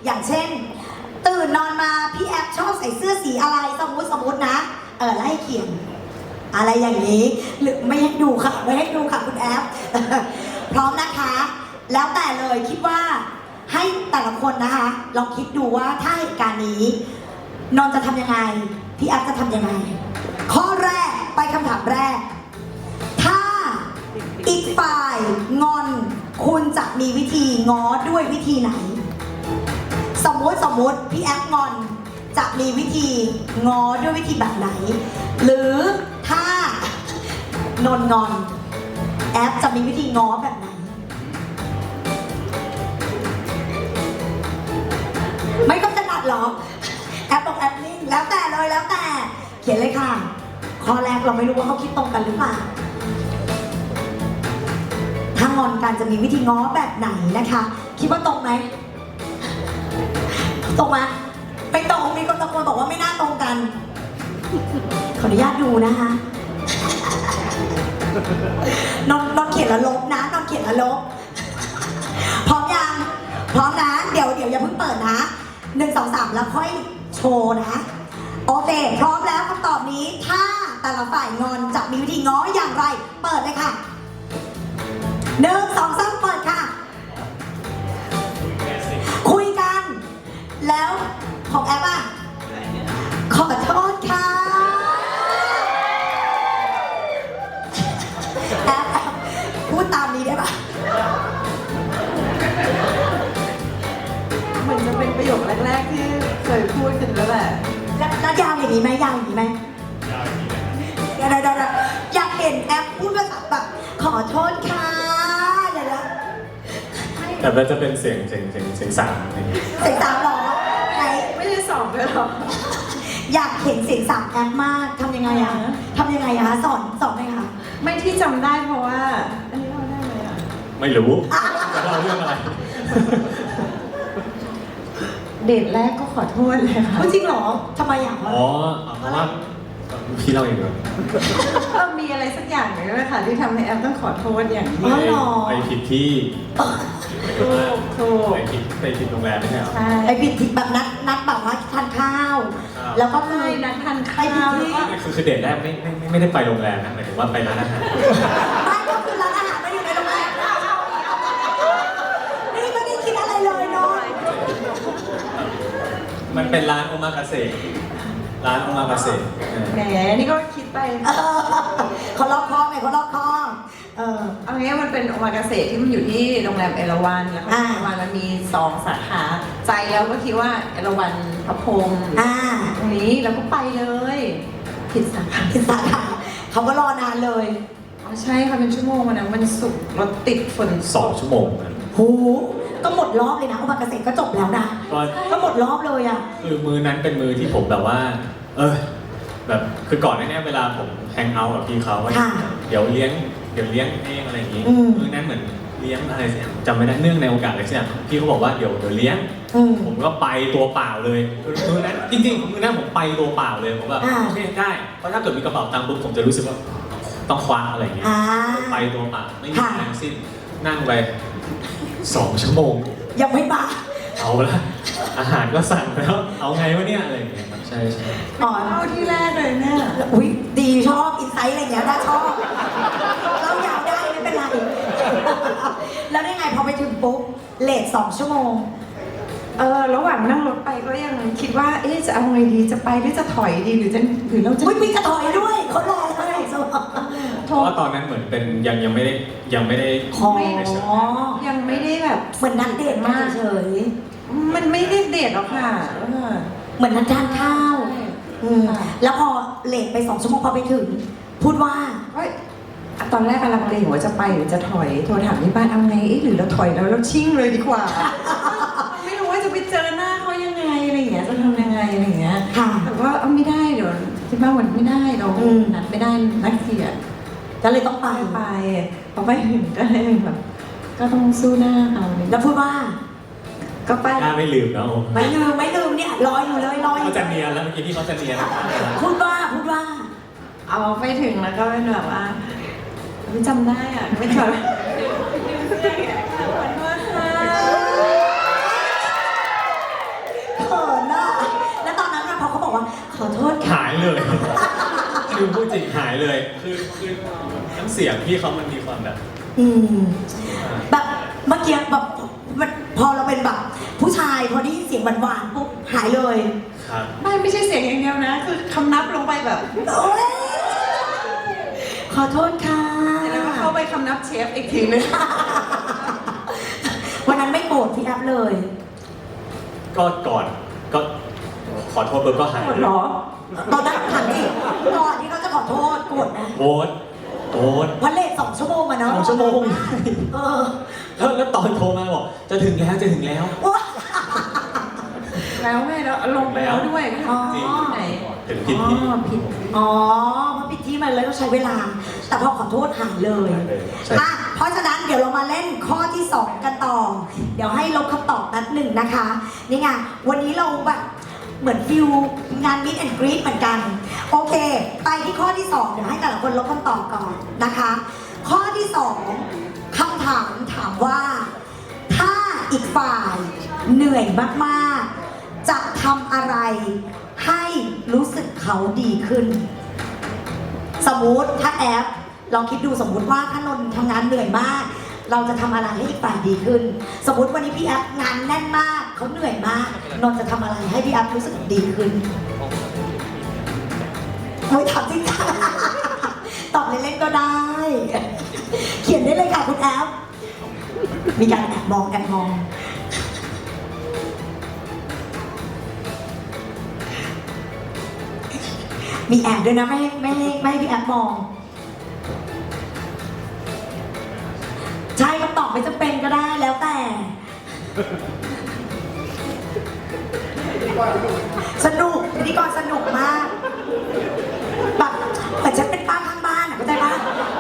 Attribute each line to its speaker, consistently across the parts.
Speaker 1: อย่างเช่นตื่นนอนมาพี่แอฟชอบใส่เสื้อสีอะไรสมมตินะไล่เขียนอะไรอย่างนี้หรือไม่ให้ดูค่ะไม่ให้ดูค่ะคุณแอฟ พร้อมนะคะแล้วแต่เลยคิดว่าให้แต่ละคนนะคะลองคิดดูว่าถ้าเหตุการณ์นี้นนท์จะทำยังไงพี่แอฟจะทำยังไงข้อแรกไปคำถามแรกถ้าอีกฝ่ายงอนคุณจะมีวิธีง้อด้วยวิธีไหนสมมติพี่แอฟงอนจะมีวิธีง้อด้วยวิธีแบบไหนหรือถ้านนท์งอนแอฟจะมีวิธีง้อแบบไหนไม่ต้องถนัดหรอแอปบอกแอปนิ่งแล้วแต่เลยแล้วแต่เขียนเลยค่ะข้อแรกเราไม่รู้ว่าเขาคิดตรงกันหรือเปล่าถ้างอนกันจะมีวิธีง้อแบบไหนนะคะคิดว่าตรงไหมตรงไหมไม่ตรงมีคนตะโกนบอกว่าไม่น่าตรงกันขออนุญาตดูนะคะนอนเขียนแล้วลบนะนอนเขียนแล้วลบพร้อมยังพร้อมนะเดี๋ยวอย่าเพิ่งเปิดนะ1 2 3แล้วค่อยโชว์นะโอเคพร้อมแล้วคำตอบนี้ถ้าแต่ละฝ่ายงอนจะมีวิธีง้ออย่างไรเปิดเลยค่ะ1 2 3เปิดค่ะคุยกันแล้วของแอปอะขอโทษค่ะแอปพูดตามนี้ได้ปะ
Speaker 2: เหมือนจะเป็นประโยคแรกๆที่เคยพูดกันแล้วแหละ
Speaker 1: แล้วยาวอย่างนี้ไหมยาวอย่างนี้ไหมเดี๋ยวอยากเห็นแอปพูดภาษาแบบขอโทษค่ะเดี๋ยว
Speaker 3: แต่มันจะเป็นเสียงสามอะไรอย่างเงี้ย
Speaker 1: เสียงสามหรอไหน
Speaker 2: ไม่ได้สอบเลยหรอ
Speaker 1: อยากเห็นเสียงสามแอปมากทำยังไงอะทำยังไงอะสอนหน่อยค่ะ
Speaker 2: ไม่ที่จำได้เพราะว่าอันนี้เราได้ไหมอะ
Speaker 3: ไม่รู้จะเล่าเรื่องอะไร
Speaker 2: เดทแรกก็ขอโทษเลยค่ะ
Speaker 1: จริงเหรอทำไมอ่ะ
Speaker 3: อ๋อเพราะว่าพี่เล่าเองเหรอ
Speaker 2: มีอะไรสักอย่างหนึ่งเลยค่ะที่ทำให้แอมต้องขอโทษอย่างนี้
Speaker 3: ไปผิดที่
Speaker 2: ถูก
Speaker 3: ไปผิดโรงแรมไม่ใช่เหรอ
Speaker 2: ใช่
Speaker 1: ไปผิดที่แบบนัดแบบว่าทานข้าวแล้วก็คือ
Speaker 2: นัดทานข้าวแล้วก็
Speaker 3: คือเดทแรกไม่ได้ไปโรงแรมนะหมายถึงว่าไปร้านอาหาร
Speaker 1: ไม่ก็คือร้านอาหารไม่อยู่ในโรงแรมนี่ไม่ได้คิดอะไรเลยเนาะ
Speaker 3: มันเป็นร้านโอมากาเสะร้านโอมากาเสะ
Speaker 2: แหมนี่ก็คิดไป
Speaker 1: เขาล็อกคอไงเขาล็อกคอ
Speaker 2: เอางี้มันเป็นโอมากาเสะที่มันอยู่ที่โรงแรมเอราวัณแล้วก็เอราวัณมันมี2 สาขาใจแล้วก็คิดว่าเอราวัณพระพรหมตรงนี้แล้วก็ไปเลยผิดสาขา
Speaker 1: เขาก็รอนานเลย
Speaker 2: อ๋อใช่ค่ะเป็นชั่วโมงวันนั้นมันสุกรถติดฝน
Speaker 3: 2 ชั่วโมง
Speaker 1: โหก็หมดรอบเลยนะโอมากาเสะก็จบแล้วนะก็หมดรอบเลยอ่ะ
Speaker 3: คือมือนั้นเป็นมือที่ผมแบบว่าแบบคือก่อนหน้านี้เวลาผมแฮงเอาท์กับพี่เขาว่าเดี๋ยวเลี้ยงเองอะไรอย่างงี้มือนั้นเหมือนเลี้ยงอะไรสักอย่างจำไม่ได้เนื่องในโอกาสอะไรสักอย่างพี่เขาบอกว่าเดี๋ยวเลี้ยงผมก็ไปตัวเปล่าเลยมือนั้นจริงๆมือนั้นผมไปตัวเปล่าเลยผมแบบโอเคได้เพราะถ้าเกิดมีกระเป๋าตังค์ปุ๊บผมจะรู้สึกว่าต้องคว้าอะไรอย่างเงี้ยไปตัวเปล่าไม่มีแรงสิ้นนั่งไป2 ชั่วโมง
Speaker 1: ยังไม่มา
Speaker 3: เอาละอาหารก็สั่งแล้วเอาไงวะเนี่ยอะไรอย่างเงี้ยใช่
Speaker 1: อ๋อ
Speaker 2: เอาที่แรกเลยเนี่ย
Speaker 1: อุ้ยดีชอบอินไซต์อะไรอย่างเงี้ยน่าชอบเรายาวได้ไม่เป็นไรแล้วได้ไงพอไปถึงปุ๊บเลท2 ชั่วโมง
Speaker 2: ระหว่างนั่งรถไปก็ยังคิดว่าจะเอาไงดีจะไปหรือจะถอยดีหรือเราจะ
Speaker 1: มีจะถอยด้วยเขารอเลย
Speaker 3: เพราะว่าตอนนั้นเหมือนเป็นยังไม่ได้
Speaker 1: ยังไม่ได้
Speaker 2: แบบ
Speaker 1: เหมือนนัดเดทมากเฉย
Speaker 2: มันไม่ได้เดทหรอกค่ะ
Speaker 1: เหมือนนัดทานข้าวแล้วพอเลทไป2 ชั่วโมงพอไปถึงพูดว่า
Speaker 2: ตอนแรกกำลังเลงว่าจะไปหรือจะถอยโทรถามที่บ้านเอาไงหรือเราถอยแล้วเราชิ่งเลยดีกว่าไม่รู้ว่าจะไปเจอหน้าเขายังไงอะไรอย่างเงี้ยจะทำยังไงอะไรอย่างเงี้ยแต่ว่าไม่ได้เดี๋ยวที่บ้านวันไม่ได้เรานัดไม่ได้นัดเสีย
Speaker 1: ก็เลยต้องไป
Speaker 2: พอไปถึงก็เลยแบบก็ต้องสู้หน้าเอา
Speaker 1: แล้วพูดว่า
Speaker 2: ก็ไป
Speaker 3: หน้าไม่ลืมนะ
Speaker 1: ไม่ลืมเนี่ยรออยู่เลย
Speaker 3: เขาจะเนียนแล้วเมื่อกี้ที่เขาจะเนียน
Speaker 1: พูดว่า
Speaker 2: เอาไปถึงแล้วก็เป็นแบบว่าไม่จำได้อ่ะไม่จำ
Speaker 3: เลยคือพูดจริงหายเลยคือน้ำเสียงพี่เขามันมีความแบบ
Speaker 1: อืมแบบเมื่อกี้แบบมันพอเราเป็นแบบผู้ชายพอได้ยินเสียงหวานๆปุ๊บหายเลย
Speaker 3: ครับ
Speaker 2: ไม่ใช่เสียงอย่างเดียวนะ คือคำนับลงไปแบบ
Speaker 1: โอ๊ยขอโทษค่ะ
Speaker 2: แล้วก็เข้าไปคำนับเชฟอีกทีนึง
Speaker 1: วันนั้นไม่โกรธพี่แอฟเลย
Speaker 3: ก็ก่อนก็ขอโทษเบิร์ก็หาย
Speaker 2: หมดเหรอ
Speaker 1: ตอนนั้นถามดิก่อนที่เขาจะขอโทษโกรธนะ
Speaker 3: โอ๊ตโอ๊ต
Speaker 1: วันเลท2 ชั่วโมงอะเนาะ
Speaker 3: 2 ชั่วโมง
Speaker 1: เออ
Speaker 3: แล้วตอนโทรมาบอกจะถึงแล้วจะถึงแล้ว
Speaker 1: ว้า
Speaker 2: แล้วไงแล้วลงไปแล้วด้วย
Speaker 1: อ๋อ
Speaker 2: ที่ไหน
Speaker 3: ถึงผิดที่
Speaker 2: ผิด
Speaker 1: อ๋อเพราะผิดที่มันเลยต้องใช้เวลา แต่พอขอโทษหายเลย
Speaker 3: ใช่
Speaker 1: อ่ะเพราะฉะนั้นเดี๋ยวเรามาเล่นข้อที่ 2 กันต่อ เดี๋ยวให้ลบคำตอบนัดหนึ่งนะคะ นี่ไงวันนี้เราแบบเหมือนฟิลงานมิดแอนด์กรีดเหมือนกัน โอเค ไปที่ข้อที่ 2 เดี๋ยวให้แต่ละคนลบคำตอบก่อนนะคะ ข้อที่ 2คำถามถามว่า ถ้าอีกฝ่ายเหนื่อยมากๆ จะทำอะไรให้รู้สึกเขาดีขึ้น สมมุติถ้าแอปลองคิดดูสมมุติว่าถ้านนท์ทำงานเหนื่อยมาก เราจะทำอะไรให้อีกฝ่ายดีขึ้น สมมุติวันนี้พี่แอปงานแน่นมากเขาเหนื่อยมากนนท์จะทำอะไรให้พี่แอปรู้สึกดีขึ้นโอ้ยถามจริงค่ะ ตอบเล่นๆก็ได้ เขียนได้เลยค่ะคุณแอปมีการแอบมองแอบมอง มีแอบด้วยนะไม่ให้พี่แอบมอง ใช่คำตอบไม่จำเป็นก็ได้แล้วแต่ สนุกพิธีกรสนุกมากแบบเหมือนฉันเป็นป้าข้างบ้านอ่ะเข้าใจปะ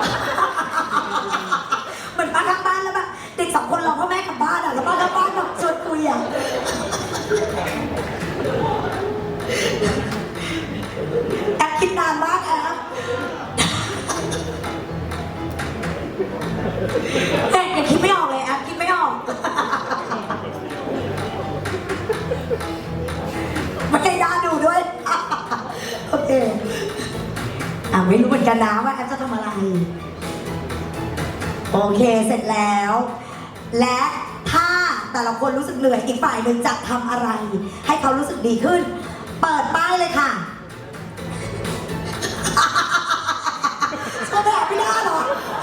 Speaker 1: เหมือนป้าข้างบ้านแล้วแบบเด็ก2 คนรอพ่อแม่กลับบ้านอ่ะแล้วป้าข้างบ้านแบบชวนคุยอ่ะ แอปคิดนานมากแอปแต่ยังคิดไม่ออกเลยแอปคิดไม่ออก ไม่ได้น่าดูด้วย โอเคไม่รู้เหมือนกันนะว่าแอปจะทำอะไร โอเคเสร็จแล้ว และถ้าแต่ละคนรู้สึกเหนื่อยอีกฝ่ายหนึ่งจะทำอะไร ให้เขารู้สึกดีขึ้น เปิดป้ายเลยค่ะ จะแบบไม่ได้หรอ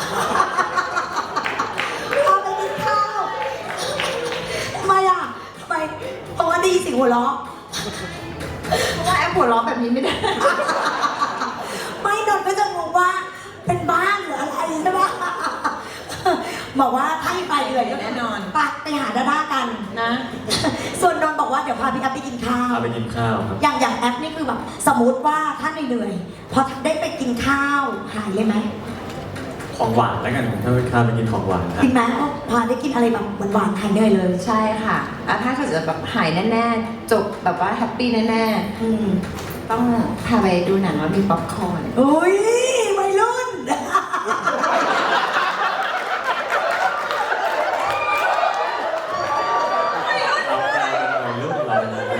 Speaker 1: เอาไปกินข้าวทำไมอ่ะทำไมเพราะว่าดีสิหัวเราะ
Speaker 2: เพราะว่าแอปหัวเราะแบบนี้ไม่ได้
Speaker 1: ไม่นนท์ก็จะงงว่าเป็นบ้านหรืออะไรใช่ปะบอกว่าถ้าอีกฝ่ายเหนื่อยก็
Speaker 2: แน่นอน
Speaker 1: ไปหาดาด้ากัน
Speaker 2: นะ
Speaker 1: ส่วนนนท์บอกว่าเดี๋ยวพาพี่แอฟไปกินข้าว
Speaker 3: พาไปกินข้าวครับ
Speaker 1: อย่างแอปนี่คือแบบสมมติว่าถ้าเหนื่อยๆพอได้ไปกินข้าวหายเลยไหม
Speaker 3: ของหวานแล้วกันถ้าไปข้าวไปกินของหวานนะ
Speaker 1: กินไหมพอได้กินอะไรแบบหวานๆหายเหนื่อยเลย
Speaker 2: ใช่ค่ะถ้าเขาจะแบบหายแน่ๆ จบแบบว่าแฮปปี้แน่
Speaker 1: อืม
Speaker 2: ๆ ต้องพาไปดูหนังแล้วมีป๊อปคอร์น
Speaker 1: อุ้ยวัยรุ่น
Speaker 3: เรากลายเป็นวัยรุ่นเรา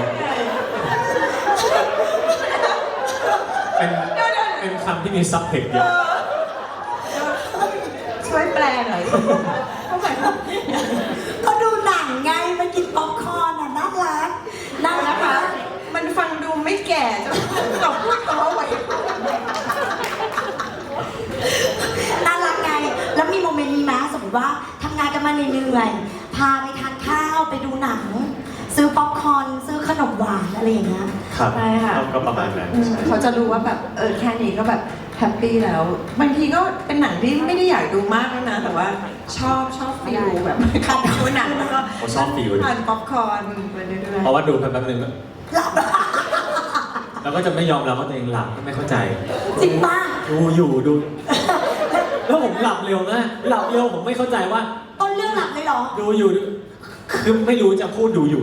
Speaker 3: เป็นคำที่มีซับเทคเยอะ
Speaker 2: ช่วยแปลหน่อยเขาหมายความ
Speaker 1: ก็ดูหนังไงไปกินป๊อปคอร์นน่ะน่ารักน่ารัก
Speaker 2: นะคะ มันฟังดูไม่แก่จนตอบพูดต่อไหว
Speaker 1: น่ารักไง แล้วมีโมเมนต์นี้ไหมสมมติว่าทำงานกันมาเหนื่อยๆพาไปทานข้าวไปดูหนัง ซื้อป๊อปคอร์นซื้อขนมหวานอะไรอย่างเงี้ย
Speaker 3: ครับ
Speaker 2: ใช่ค่ะ
Speaker 3: ก็ประมาณนั้นใช่
Speaker 2: เขาจะรู้ว่าแบบแค่นี้ก็แบบแฮปปี้แล้ว บางทีก็เป็นหนังที่ไม่ได้อยากดูมากแล้วนะ แต่ว่าชอบฟิลแบบการดูหนังแล้วก็
Speaker 3: ผมชอบฟิล
Speaker 2: ทานป๊อปคอร์นไปเรื่อย
Speaker 3: เพราะว่าดูแป๊บนึง
Speaker 1: หลับ
Speaker 3: แล้วก็จะไม่ยอมรับว่าตัวเองหลับไม่เข้าใจ
Speaker 1: จริงป่ะ
Speaker 3: ดูอยู่ดู แล้วผมหลับเร็วมากหลับเร็วผมไม่เข้าใจว่า
Speaker 1: ต้นเรื่องหลับเลยเหรอ
Speaker 3: ดูอยู่คือไม่รู้จะพูดดูอยู่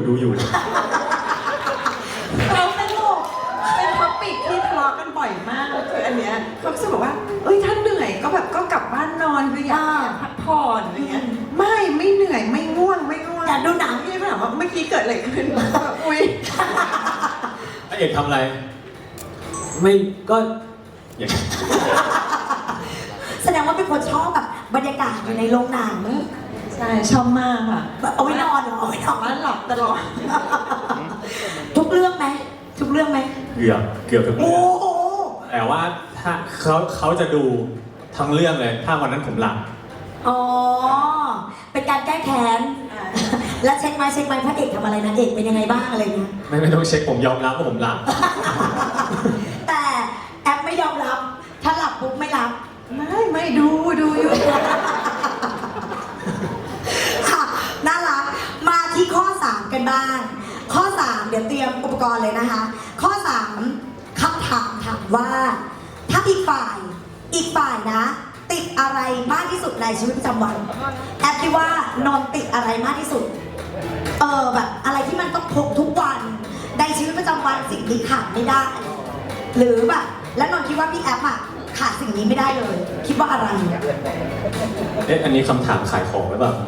Speaker 1: เราสนุก
Speaker 2: ๆเป็นท็อปิกที่ทะเลาะกันบ่อยมากคืออันเนี้ยเขาจะบอกว่าถ้าเหนื่อยก็แบบก็กลับบ้านนอนคืออยากพักผ่อนอะไรเงี้ยไม่เหนื่อยไม่ง่วง
Speaker 1: อยากดูหนัง
Speaker 2: พี่ถามว่าเมื่อกี้เกิดอะไรขึ้นแบบอุ้ย
Speaker 3: พระเอกทำอะไรไม่ก็อย่าง
Speaker 1: แสดงว่าเป็นคนชอบแบบบรรยากาศอยู่ในโรงหนัง
Speaker 2: ใช่ชอบมากค่ะ
Speaker 1: เอาไว้นอนเหรอเอาไว้นอน
Speaker 2: ว่าหลับตลอด
Speaker 1: ทุกเรื่องไหมทุกเรื่องไหม
Speaker 3: เกือบทุก
Speaker 1: โอ้
Speaker 3: เรื่อง
Speaker 1: โห
Speaker 3: แต่ว่าถ้าเขาจะดูทั้งเรื่องเลย ถ้าวันนั้นผมหลับ
Speaker 1: อ๋อเป็นการแก้แค้น แล้วเช็คไหมพระเอกทำอะไรนางเอกเป็นยังไงบ้างอะไรเงี้ย
Speaker 3: ไม่ต้องเช็คผมยอมรับว่าผมหลับ
Speaker 1: แต่แอปไม่ยอมรับ ถ้าหลับปุ๊บไม่รับ
Speaker 2: ไม่ดูอยู่
Speaker 1: ค่ะน่ารักมาที่ข้อ 3 กันบ้าง ข้อ 3 เดี๋ยวเตรียมอุปกรณ์เลยนะคะ ข้อ 3คำถามถามว่า ถ้าอีกฝ่ายนะ ติดอะไรมากที่สุดในชีวิตประจำวัน แอปคิดว่านนท์ติดอะไรมากที่สุด แบบอะไรที่มันต้องพกทุกวันในชีวิตประจำวันสิ่งนี้ขาดไม่ได้ หรือแบบแล้วนนท์คิดว่าพี่แอปอะขาดสิ่งนี้ไม่ได้เลย คิดว่าอะไร
Speaker 3: อันนี้คำถามขายของหรือเปล่า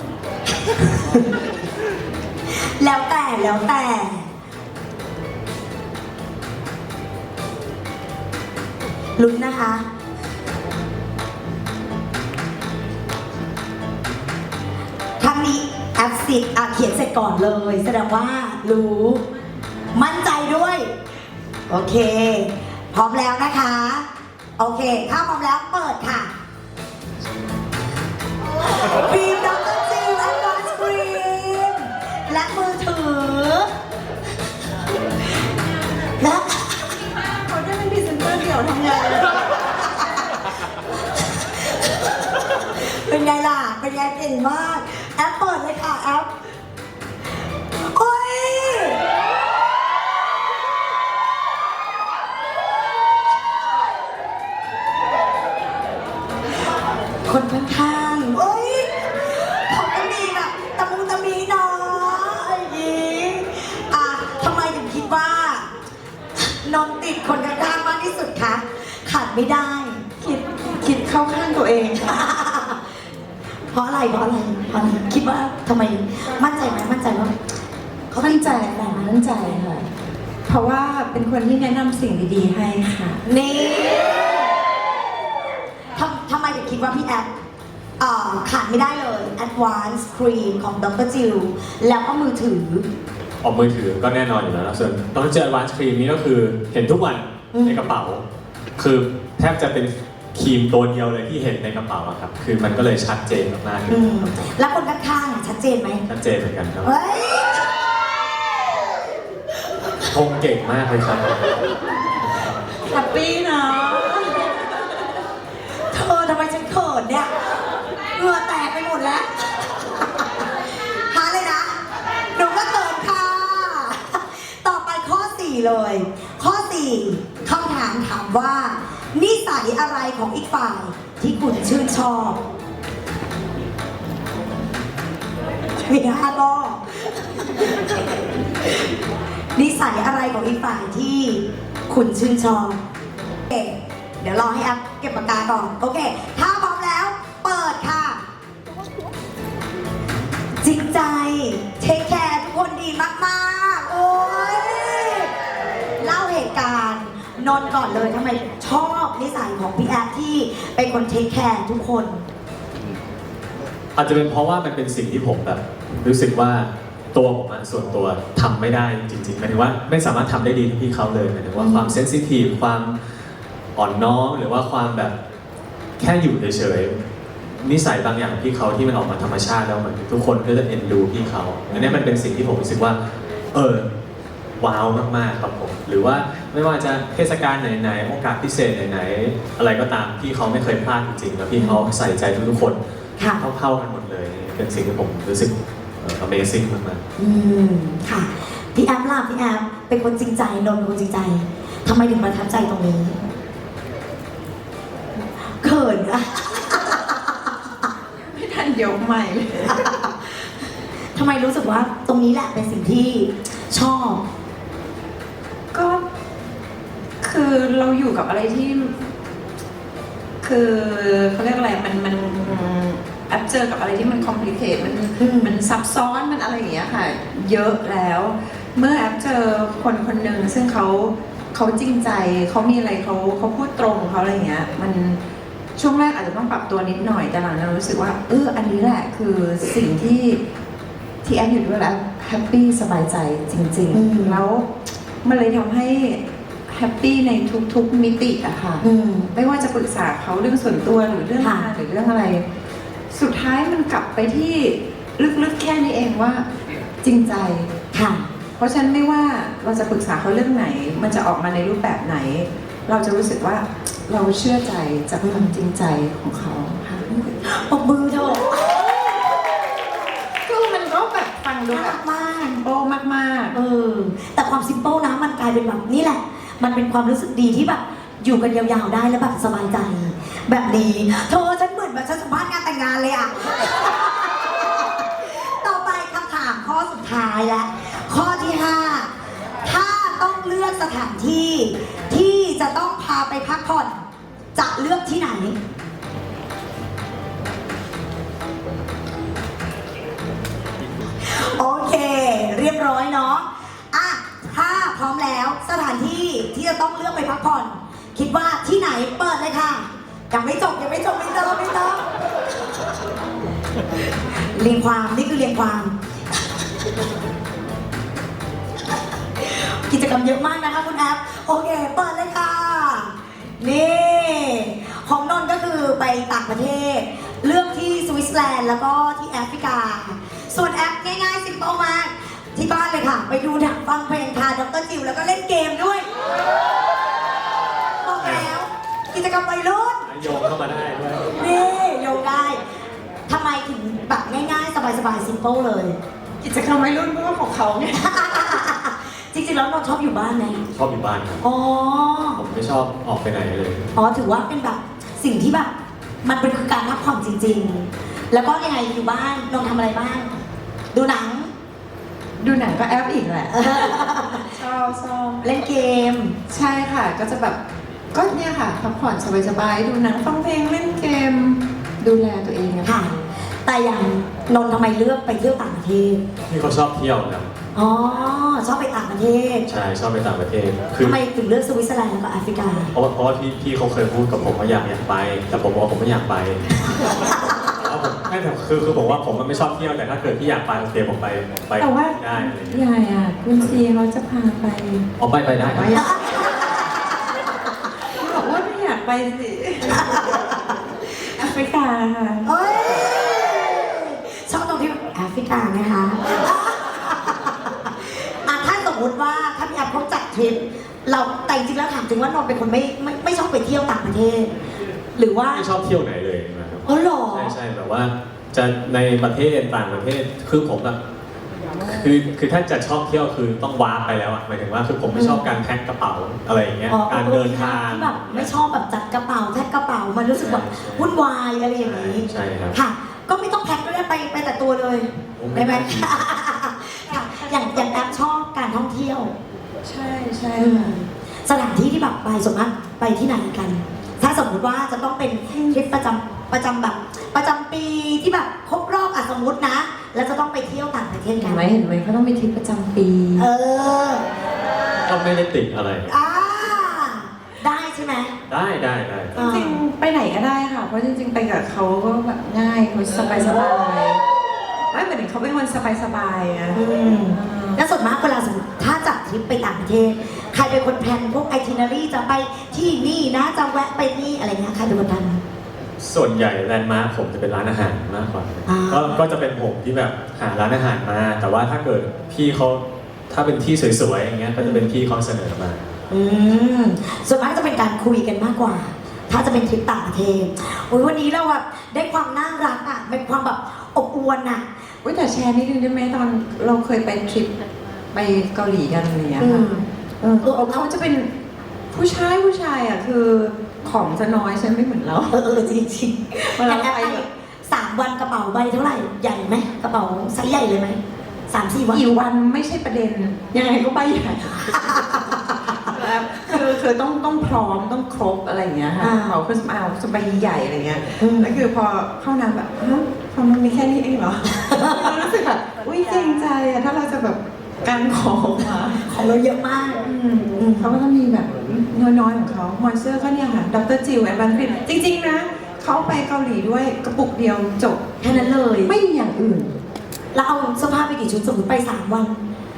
Speaker 1: แล้วแต่ลุ้นนะคะครั้งนี้แอปสิเขียนเสร็จก่อนเลย แสดงว่ารู้มั่นใจด้วย โอเค พร้อมแล้วนะคะ โอเค ถ้าพร้อมแล้วเปิดค่ะครีมดรจิวแอดวานซ์ครีมและมือถือ และ
Speaker 2: เขาได้เป็นพรีเซนเตอร์เดี่ยวทำงาน
Speaker 1: เป็นไงล่ะ เป็นไงเก่งมาก แอปเปิดเลยค่ะแอปโอ้ยคนข้างๆโอ้ยเขาก็มีแบบตะมุตะมีเนาะอย่างนี้ทำไมถึงคิดว่านอนติดคนข้างๆมากที่สุดคะขาดไม่ได้
Speaker 2: คิดเข้าข้างตัวเอง
Speaker 1: เพราะอะไรคิดว่าทำไมมั่นใจไหมมั่นใจว่าเขา
Speaker 2: มั่นใจ
Speaker 1: แต่
Speaker 2: มั่นใจค่ะ เพราะว่าเป็นคนที่แนะนำสิ่งดีๆให้ค่ะ
Speaker 1: นี่ทำไมถึงคิดว่าพี่แอปขาดไม่ได้เลย Advanced Cream ของ Dr. Jill แล้วก็มือถือ
Speaker 3: ออกมือถือก็แน่นอนอยู่แล้วนะส่วนตอนเจอ Advanced Cream นี้ก็คือเห็นทุกวันในกระเป๋า คือแทบจะเป็นครีมตัวเดียวเลยที่เห็นในกระเป๋าอะครับ คือมันก็เลยชัดเจนมากๆเลย
Speaker 1: แล้วคนข้างๆชัดเจนไหม
Speaker 3: ชัดเจนเหมือนกันครับ
Speaker 1: เฮ้ย
Speaker 3: ชงเก่งมากเลยครับ
Speaker 2: แฮปปี้นะ
Speaker 1: เธอทำไมฉันเขินเนี่ยเหงื่อแตกไปหมดแล้ว หาเลยนะ หนูก็เขินค่ะ ต่อไปข้อ 4 เลย ข้อ 4คำถามถามว่า นิสัยอะไรของอีกฝ่ายที่คุณชื่นชอบมี5ข้อนิสัยอะไรของอีกฝ่ายที่คุณชื่นชอบโอเคเดี๋ยวรอให้อัพเก็บปากกาก่อน โอเค ถ้าพร้อมแล้ว เปิดค่ะ จริงใจ เทคแคร์ทุกคนดีมากๆ โอ้ย เล่าเหตุการณ์นนท์ก่อนเลยทำไมชอบนิสัยของพี่แอฟที่เป็นคนเทคแคร์ทุกคน
Speaker 3: อาจจะเป็นเพราะว่ามันเป็นสิ่งที่ผมแบบรู้สึกว่าตัวผมอะส่วนตัวทำไม่ได้จริงๆหมายถึงว่าไม่สามารถทำได้ดีเท่าพี่เขาเลยหมายถึงว่าความเซนซิทีฟความอ่อนน้อมหรือว่าความแบบแค่อยู่เฉยๆนิสัยบางอย่างพี่เขาที่มันออกมาธรรมชาติแล้วเหมือนทุกคนก็จะเอ็นดูพี่เขาอันนี้มันเป็นสิ่งที่ผมรู้สึกว่าว้าวมากๆครับผมหรือว่าไม่ว่าจะเทศกาลไหนๆโอกาสพิเศษไหนๆอะไรก็ตามพี่เขาไม่เคยพลาดจริงๆแล้วพี่เขาใส่ใจทุกๆคน
Speaker 1: ค่ะ
Speaker 3: เท่าๆกันหมดเลย เป็นสิ่งที่ผมรู้สึกAmazing มาก
Speaker 1: ค่ะ พี่แอฟล่ะพี่แอฟเป็นคนจริงใจนนท์เป็นคนจริงใจทำไมถึงประทับใจตรงนี้เขินอะ
Speaker 2: ไม่ทันยกใหม่เลย
Speaker 1: ทำไมรู้สึกว่าตรงนี้แหละเป็นสิ่งที่ชอบ
Speaker 2: ก็คือเราอยู่กับอะไรที่ คือเขาเรียกอะไรมันแอปเจอกับอะไรที่มันคอมพลีเคทมันซับซ้อนมันอะไรอย่างเงี้ยค่ะ เยอะแล้ว เมื่อแอปเจอคนคนหนึ่งซึ่งเขาเขาจริงใจเขามีอะไรเขาพูดตรงเขาอะไรเงี้ยมันช่วงแรกอาจจะต้องปรับตัวนิดหน่อยแต่หลังจากนั้นรู้สึกว่าอันนี้แหละคือสิ่งที่แอปอยู่ด้วยแล้วแฮปปี้สบายใจจริงๆแล้วมันเลยทำให้แฮปปี้ในทุกๆมิติอะค่ะไม่ว่าจะปรึกษาเขาเรื่องส่วนตัวหรือเรื่องงานหรือเรื่องอะไร สุดท้ายมันกลับไปที่ลึกๆแค่นี้เองว่าจริงใจค่ะเพราะฉะนั้นไม่ว่าเราจะปรึกษาเขาเรื่องไหน มันจะออกมาในรูปแบบไหน เราจะรู้สึกว่าเราเชื่อใจจากความจริงใจของเขาค่ะ
Speaker 1: ปรบมือเถอะ
Speaker 2: คือมันก็แบบฟังดู
Speaker 1: น่า
Speaker 2: แบ
Speaker 1: รับ กมาก
Speaker 2: โอ้มากๆ
Speaker 1: แต่ความซิมเปิลนะมันกลายเป็นแบบนี่แหละ มันเป็นความรู้สึกดีที่แบบอยู่กันยาวๆได้แล้วแบบสบายใจ แบบนี้เธอฉันเหมือนแบบฉันสัมภาษณ์งานแต่งงานเลยอะต่อไปคำถามข้อสุดท้ายและข้อที่ 5 ถ้าต้องเลือกสถานที่ที่จะต้องพาไปพักผ่อนจะเลือกที่ไหน โอเค เรียบร้อยเนาะอ่ะถ้าพร้อมแล้วสถานที่ที่จะต้องเลือกไปพักผ่อน คิดว่าที่ไหนเปิดเลยค่ะยังไม่จบไม่ต้องเรียงความนี่คือเรียงความ กิจกรรมเยอะมากนะคะคุณแอฟโอเคเปิดเลยค่ะนี่ของนนท์ก็คือไปต่างประเทศ เลือกที่สวิตเซอร์แลนด์แล้วก็ที่แอฟริกา ส่วนแอปง่ายๆสิมเปิลมากที่บ้านเลยค่ะ ไปดูหนังฟังเพลงค่ะดรจิวแล้วก็เล่นเกมด้วยบอกแล้วกิจกรรมวัยรุ่น
Speaker 3: โยงเข้ามาได้ด้วย
Speaker 1: นี่โยงได้ทำไมถึงแบบง่ายๆ สบายๆ ซิมเปิลเลย
Speaker 2: กิจกรรมวัยรุ่นเพราะว่าของเขาไง
Speaker 1: จริงๆ แล้วเราชอบอยู่บ้านไหม
Speaker 3: ชอบอยู่บ้านครับ
Speaker 1: อ๋อ
Speaker 3: ผมไม่ชอบออกไปไหนเลย
Speaker 1: อ๋อ ถือว่าเป็นแบบสิ่งที่แบบมันเป็นคือการพักผ่อนจริงๆ แล้วก็ยังไงอยู่บ้านนนท์ทำอะไรบ้าง ดูหนัง
Speaker 2: ดูหนังก็แอปอีกแหละ ชอบ
Speaker 1: เล่นเกม
Speaker 2: ใช่ค่ะก็จะแบบก็เนี่ยค่ะพักผ่อนสบายๆดูหนังฟังเพลงเล่นเกม ดูแลตัวเองนะ
Speaker 1: ค่ะ แต่อย่างนนท์ทำไมเลือกไปเที่ยวต่างประเทศ
Speaker 3: พี่เขาชอบเที่ยวครับ
Speaker 1: อ๋อ ชอบไปต่างประเทศ
Speaker 3: ใช่ชอบไปต่างประเทศคือ
Speaker 1: ทำไมถึงเลือกสวิตเซอร์แลนด์แล้วก็แอฟริกา
Speaker 3: เพราะว่าพี่เขาเคยพูดกับผมว่าอยากไป แต่ผมบอกว่าผมไม่อยากไปแล้วผมไม่แต่คือผมว่าผมมันไม่ชอบเที่ยวแต่ถ้าเกิดพี่อยากไปโอเคผมไป
Speaker 2: แต่ว่า
Speaker 3: ได้อะไรอย่างเงี้ย
Speaker 2: ยายอ่ะคุณซีเขาจะพาไป
Speaker 3: อ๋อไปได้ครับ
Speaker 2: บอกว่าไม่อยากไปสิแอฟริกาค่ะ
Speaker 1: เอ้ย ชอบตรงที่แอฟริกาไหมคะอ่ะถ้าสมมติว่าถ้าพี่แอฟเขาจัดทริปเราแต่จริงๆแล้วถามจริงว่านนท์เป็นคนไม่ชอบไปเที่ยวต่างประเทศ หรือว่า
Speaker 3: ไม่ชอบเที่ยวไหนเลยนะครับ
Speaker 1: อ๋อเหรอ
Speaker 3: ใช่แบบว่าจะในประเทศต่างประเทศคือผมแบบคือถ้าจะชอบเที่ยวคือต้องวาร์ปไปแล้วอะหมายถึงว่าคือผมไม่ชอบการแพ็คกระเป๋าอะไรอย่างเงี้ย
Speaker 1: อ๋อ
Speaker 3: การเดินทาง
Speaker 1: แบบไม่ชอบแบบจัดกระเป๋าแพ็คกระเป๋ามันรู้สึกแบบวุ่นวายอะไรอย่างนี้
Speaker 3: ใช่ครับ
Speaker 1: ค่ะ ก็ไม่ต้องแพ็คก็ได้ไปแต่ตัวเลย
Speaker 3: โอ้
Speaker 1: ได้ไหม
Speaker 3: ไม่ได้
Speaker 1: ค่ะอย่างแอปชอบการท่องเที่ยว
Speaker 2: ใช่
Speaker 1: สถานที่ที่แบบไปส่วนมากไปที่ไหนกัน ถ้าสมมุติว่าจะต้องเป็นทริปประจำแบบประจำปีที่แบบครบรอบสมมตินะ แล้วจะต้องไปเที่ยวต่างประเทศ
Speaker 2: เห็
Speaker 1: กัน น
Speaker 2: ไหมเขาต้องมีทริปประจำปี
Speaker 1: เออ
Speaker 3: ก็ไม่ได้ติดอะไร
Speaker 1: อ่าได้ใช่ไหม
Speaker 3: ได้
Speaker 2: จริงๆไปไหนก็ได้ค่ะ เพราะจริงๆไปกับเขาก็แบบง่ายเขาสบายๆไม่เหมือนเขาเป็นคนสบายๆอะ
Speaker 1: แล้วส่วนมากเวลาสมมติถ้าจัดทริปไปต่างประเทศ ใครเป็นคนแพลนพวกไอทินารีจะไปที่นี่นะจะแวะไปนี่อะไรเงี้ยใครเป็นคนทำ
Speaker 3: ส่วนใหญ่แลนด์มาร์คผมจะเป็นร้านอาหารมากกว่า
Speaker 1: อ่า
Speaker 3: ก็จะเป็นผมที่แบบหาร้านอาหารมา แต่ว่าถ้าเกิดพี่เขาถ้าเป็นที่สวยๆอย่างเงี้ยก็จะเป็นพี่เขาเสนอมา
Speaker 1: ส่วนมากจะเป็นการคุยกันมากกว่า ถ้าจะเป็นทริปต่างประเทศโอ้ยวันนี้เราแบบได้ความน่ารักอ่ะเป็นความแบบอบอวลอ่ะ
Speaker 2: แต่แชร์นิดนึงได้ไหมตอนเราเคยไปทริปไปเกาหลีกันอะไรอย่างเงี้ยค่ะเขาจะเป็นผู้ชายอ่ะคือของจะน้อยใช่ไหมไม่เหมือนเรา
Speaker 1: จริงๆ
Speaker 2: เวลา
Speaker 1: แอป
Speaker 2: ไป
Speaker 1: ไป
Speaker 2: แบบ
Speaker 1: 3 วันกระเป๋าใบเท่าไหร่ใหญ่ไหมกระเป๋าไซส์ใหญ่เลยไหม3-4 วัน
Speaker 2: กี่วันไม่ใช่ประเด็นยังไงก็ไปใหญ่คือต้องพร้อมต้องครบอะไรอย่างเงี้ยค่ะเขาคือเอาสบายใหญ่อะไรเงี้ยแล้วคือพอเข้าน้ำแบบความมันมีแค่นี้เองเหรอเรารู้สึกแบบอุ้ยเกรงใจอะถ้าเราจะแบบการของมา
Speaker 1: ของเราเยอะมาก
Speaker 2: เขาก็จะมีแบบน้อยๆของเขามอยเซอร์ก็เนี่ยค่ะดรจิวแอนด์บันครีมจริงๆนะเขาไปเกาหลีด้วยกระปุกเดียวจบ
Speaker 1: แค่นั้นเลย
Speaker 2: ไม่มีอย่างอื่น
Speaker 1: แล้วเอาเสื้อผ้าไปกี่ชุดสมมติไป3 วัน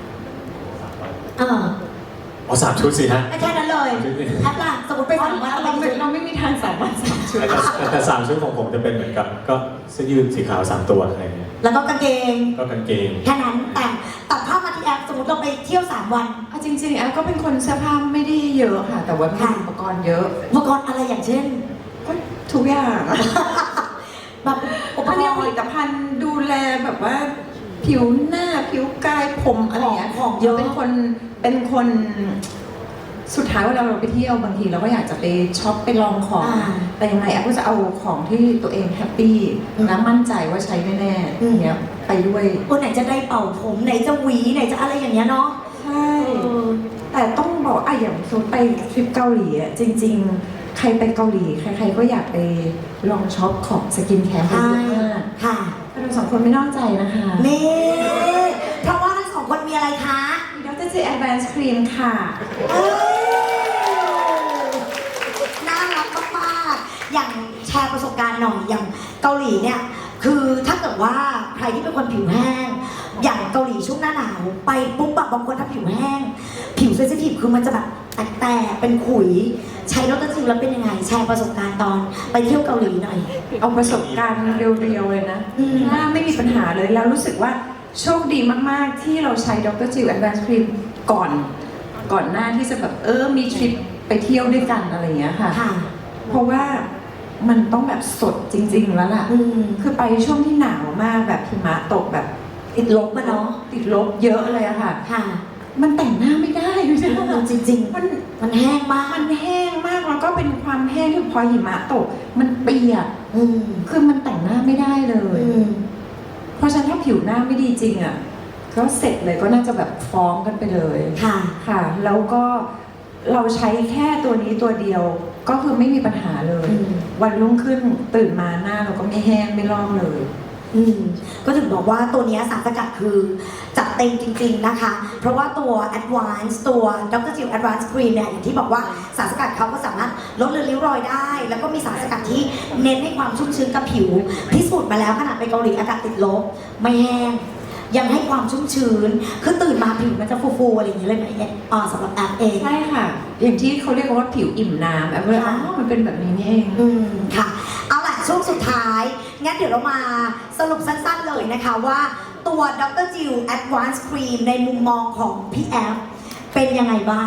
Speaker 3: อ๋อ3 ชุดสิฮะ
Speaker 1: แค่นั้นเลยแอปล่ะสมมติไป3 วันเอาไปกี่ชุด
Speaker 2: เราไม่มีทาง3 วัน 3 ชุด
Speaker 3: แต่3 ชุดของผมจะเป็นเหมือนกับก็เสื้อยืดสีขาว3 ตัวอะไรเงี้ย
Speaker 1: แล้วก็กางเกง
Speaker 3: ก็กางเกง
Speaker 1: แค่นั้นแต่ตัดภาพมาที่แอปสมมติเราไปเที่ยว3 วัน
Speaker 2: เอาจริงๆแอฟก็เป็นคนเสื้อผ้าไม่ได้เยอะค่ะ แต่ว่ามีอุปกรณ์เยอะ
Speaker 1: อุปกรณ์อะไรอย่างเช่น
Speaker 2: ก็ทุกอย่าง
Speaker 1: แบบอุป
Speaker 2: ก็
Speaker 1: ก
Speaker 2: เนี่ย
Speaker 1: ร
Speaker 2: ผลิ
Speaker 1: ณ์
Speaker 2: ตภัณฑ์ดูแลแบบว่า ผิวหน้าผิวกายผมอะไรอย่างเงี้ย
Speaker 1: ของเยอะ
Speaker 2: เป็นคนสุดท้ายเวลาเราไปเที่ยวบางทีเราก็อยากจะไปช็อปไปลองของ แต่ยังไงแอฟก็จะเอาของที่ตัวเองแฮปปี้และมั่นใจว่าใช้แน่ๆอย่างเงี้ยไปด้วย
Speaker 1: ไหนจะได้เป่าผมไหนจะหวีไหนจะอะไรอย่างเงี้ยเนาะ
Speaker 2: ใช่ แต่ต้องบอกอย่างสมมติไปทริปเกาหลีอะจริง ๆ ใครไปเกาหลีใครๆก็อยากไปลองช็อปของสกินแคร์เยอะมาก
Speaker 1: ค่ะ
Speaker 2: แต่เราสองคนไม่นอกใจนะคะ
Speaker 1: นี่เพราะว่าทั้ง2 คนมีอะไรคะ
Speaker 2: มีดรจีแอดวานซ์ครีมค่ะ
Speaker 1: เอ้ยน่ารักมากๆอย่างแชร์ประสบการณ์หน่อยอย่างเกาหลีเนี่ยคือถ้าเกิดว่าใครที่เป็นคนผิวแห้ง อย่างเกาหลีช่วงหน้าหนาวไปปุ๊บแบบบางคนถ้าผิวแห้ง ผิวเซนซิทีฟคือมันจะแบบแตกๆเป็นขุยใช้ดรจิวแล้วเป็นยังไง แชร์ประสบการณ์ตอนไปเที่ยวเกาหลีหน่อย
Speaker 2: เอาประสบการณ์เรียวๆเลยนะ หน้าไม่มีปัญหาเลยแล้วรู้สึกว่าโชคดีมากๆที่เราใช้ดรจิวแอดวานซ์ครีมก่อนหน้าที่จะแบบมีทริปไปเที่ยวด้วยกันอะไรอย่างเงี้ยค่ะ
Speaker 1: ค่ะ
Speaker 2: เพราะว่ามันต้องแบบสดจริง ๆ แล้วล่ะ คือไปช่วงที่หนาวมากแบบหิมะตกแบบ
Speaker 1: ติดลบมาเนาะ
Speaker 2: ติดลบเยอะเลยอะค่ะ
Speaker 1: ค่ะ
Speaker 2: มันแต่งหน้าไม่ได้ดูสิ
Speaker 1: จริง
Speaker 2: มัน
Speaker 1: ๆ มันแห้งมาก
Speaker 2: มันแห้งมากแล้วก็เป็นความแห้งที่พอหิมะตก มันเปียก คือมันแต่งหน้าไม่ได้เลย เพราะฉะนั้นถ้าผิวหน้าไม่ดีจริงอะก็เสร็จเลยก็น่าจะแบบฟ้องกันไปเลย
Speaker 1: ค่ะ
Speaker 2: ค่ะ แล้วก็เราใช้แค่ตัวนี้ตัวเดียว ก็คือไม่มีปัญหาเลย วันรุ่งขึ้นตื่นมาหน้าเราก็ไม่แห้งไม่ลอกเลย
Speaker 1: ก็ถึงบอกว่าตัวเนี้ยสารสกัดคือจัดเต็มจริงๆนะคะ เพราะว่าตัว Advance ตัว Dr. Jill Advance Cream เนี่ยอย่างที่บอกว่าสารสกัดเขาก็สามารถลดเลือนริ้วรอยได้ แล้วก็มีสารสกัดที่เน้นให้ความชุ่มชื้นกับผิวพิสูจน์มาแล้วขนาดไปเกาหลีอากาศติดลบไม่แห้ง ยังให้ความชุ่มชื้นคือตื่นมาผิวมันจะฟูๆอะไรอย่างเงี้ยเลยไหมสำหรับแอปเอง
Speaker 2: ใช่ค่ะ อย่างที่เขาเรียกว่าผิวอิ่มน้ำแอปเลยมันเป็นแบบนี้นี่เอง
Speaker 1: ค่ะ เอาล่ะช่วงสุดท้าย งั้นเดี๋ยวเรามาสรุปสั้นๆเลยนะคะว่าตัว Dr. Jill Advanced Cream ในมุมมองของพี่แอฟเป็นยังไงบ้าง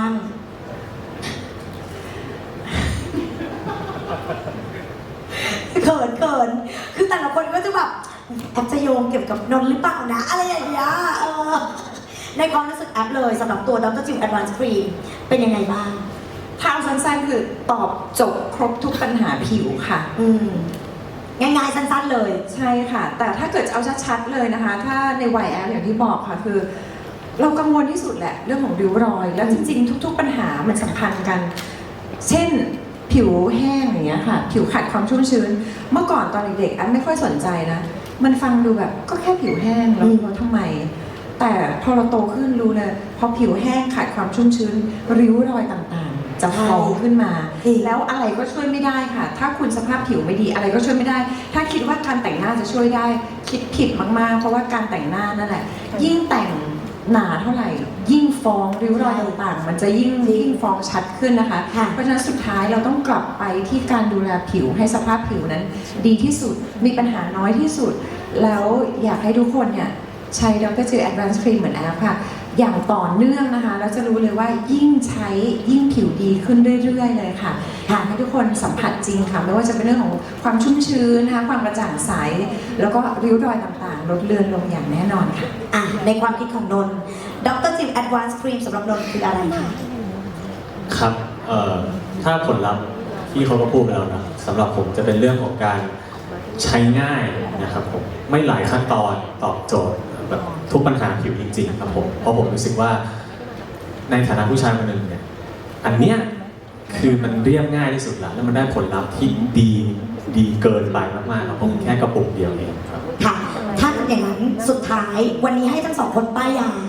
Speaker 1: เขินคือแต่ละคนก็จะแบบแอปจะโยงเกี่ยวกับนนท์หรือเปล่านะ อะไรอย่างเงี้ยในความรู้สึกแอปเลยสำหรับตัว Dr. Jill Advanced Cream เป็นยังไงบ้าง
Speaker 2: ทางสั้นๆคือตอบจบครบทุกปัญหาผิวค่ะ
Speaker 1: ง่ายๆสั้นๆเลย
Speaker 2: ใช่ค่ะ แต่ถ้าเกิดเอาชัดๆเลยนะคะ ถ้าในวัยแอปอย่างที่บอกค่ะคือ เรากังวลที่สุดแหละเรื่องของริ้วรอย แล้วจริงๆทุกๆปัญหามันสัมพันธ์กัน เช่นผิวแห้งอย่างเงี้ยค่ะ ผิวขาดความชุ่มชื้น เมื่อก่อนตอนเด็กๆแอปไม่ค่อยสนใจนะ มันฟังดูแบบก็แค่ผิวแห้งแล้วทำไม แต่พอเราโตขึ้นรู้เลยพอผิวแห้งขาดความชุ่มชื้น ริ้วรอยต่างๆ จะฟ้องขึ้นมา แล้วอะไรก็ช่วยไม่ได้ค่ะ ถ้าคุณสภาพผิวไม่ดีอะไรก็ช่วยไม่ได้ ถ้าคิดว่าการแต่งหน้าจะช่วยได้คิดผิดมากๆ เพราะว่าการแต่งหน้านั่นแหละ ยิ่งแต่งหนาเท่าไหร่ ยิ่งฟ้องริ้วรอยต่างๆ มันจะยิ่งฟ้องชัดขึ้นนะคะ เพราะฉะนั้นสุดท้ายเราต้องกลับไปที่การดูแลผิวให้สภาพผิวนั้น ดีที่สุดมีปัญหาน้อยที่สุด แล้วอยากให้ทุกคนเนี่ยใช้ Dr. Jill Advanced Cream เหมือนแอปค่ะ อย่างต่อเนื่องนะคะแล้วจะรู้เลยว่ายิ่งใช้ยิ่งผิวดีขึ้นเรื่อยๆเลยค่ะอยากให้ทุกคนสัมผัสจริงค่ะไม่ว่าจะเป็นเรื่องของความชุ่มชื้นนะคะความกระจ่างใสแล้วก็ริ้วรอยต่างๆลดเลือนลงอย่างแน่นอนค่ะ
Speaker 1: ในความคิดของนนท์ Dr. Jill Advanced Cream สำหรับนนท์คืออะไรคะ
Speaker 3: ครับถ้าผลลัพธ์ที่เขาก็พูดไปแล้วนะสำหรับผมจะเป็นเรื่องของการใช้ง่ายนะครับผมไม่หลายขั้นตอนตอบโจทย์แบบทุกปัญหาผิวจริงๆครับผมเพราะผมรู้สึกว่าในฐานะผู้ชายคนหนึ่งเนี่ยอันเนี้ยคือมันเรียบง่ายที่สุดแล้วแล้วมันได้ผลลัพธ์ที่ดีเกินไปมากๆครับผมแค่กระปุกเดียวเองครับ
Speaker 1: ค่ะถ้าอย่างนั้นสุดท้ายวันนี้ให้ทั้ง2 คนป้ายยา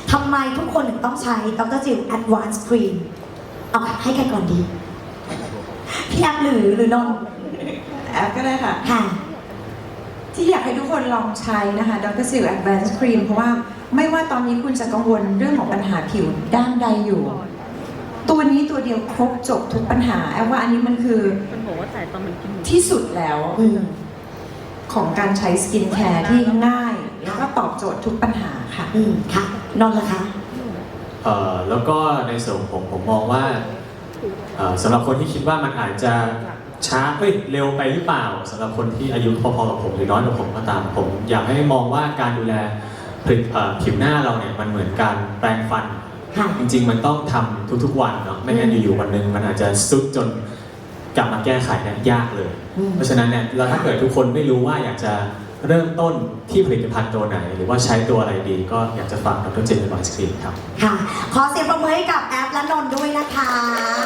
Speaker 1: ทำไมทุกคนถึงต้องใช้ดรจิว Advanced Cream เอาให้ใครก่อนดี พี่แอฟหรือนนท์
Speaker 2: แอปก็ได้ค่ะ
Speaker 1: ค่ะ
Speaker 2: ที่อยากให้ทุกคนลองใช้นะคะ Dr. Sil Advanced Cream เพราะว่าไม่ว่าตอนนี้คุณจะกังวลเรื่องของปัญหาผิวด้านใดอยู่ ตัวนี้ตัวเดียวครบจบทุกปัญหาแอปว่าอันนี้มันคือ
Speaker 4: มันบอกว่าจ่ายตอนมันกิน
Speaker 2: ที่สุดแล้ว
Speaker 1: อืม
Speaker 2: ของการใช้สกินแคร์ที่ง่าย แล้วก็ตอบโจทย์ทุกปัญหาค่ะ
Speaker 1: ค่ะ นนท์ล่ะคะ
Speaker 3: แล้วก็ในส่วนของผมมองว่าสำหรับคนที่คิดว่ามันอาจจะช้าเร็วไปหรือเปล่าสำหรับคนที่อายุพอๆกับผมหรือน้อยกว่าผมก็ตามผมอยากให้มองว่าการดูแลผิวหน้าเราเนี่ยมันเหมือนการแปรงฟัน
Speaker 1: ค่ะ
Speaker 3: จริงๆมันต้องทำทุกๆวันเนาะไม่งั้นอยู่ๆวันหนึ่งมันอาจจะซุดจนกลับมาแก้ไขเนี่ยยากเลย เพราะฉะนั้นเนี่ยเราถ้าเกิดทุกคนไม่รู้ว่าอยากจะเริ่มต้นที่ผลิตภัณฑ์ตัวไหน หรือว่าใช้ตัวอะไรดี ก็อยากจะฝากดรเจนต์ Advanced Cream ครับ
Speaker 1: ค่ะ ขอเสียงปรบมือให้กับแอฟและนนท์ด้วยนะคะ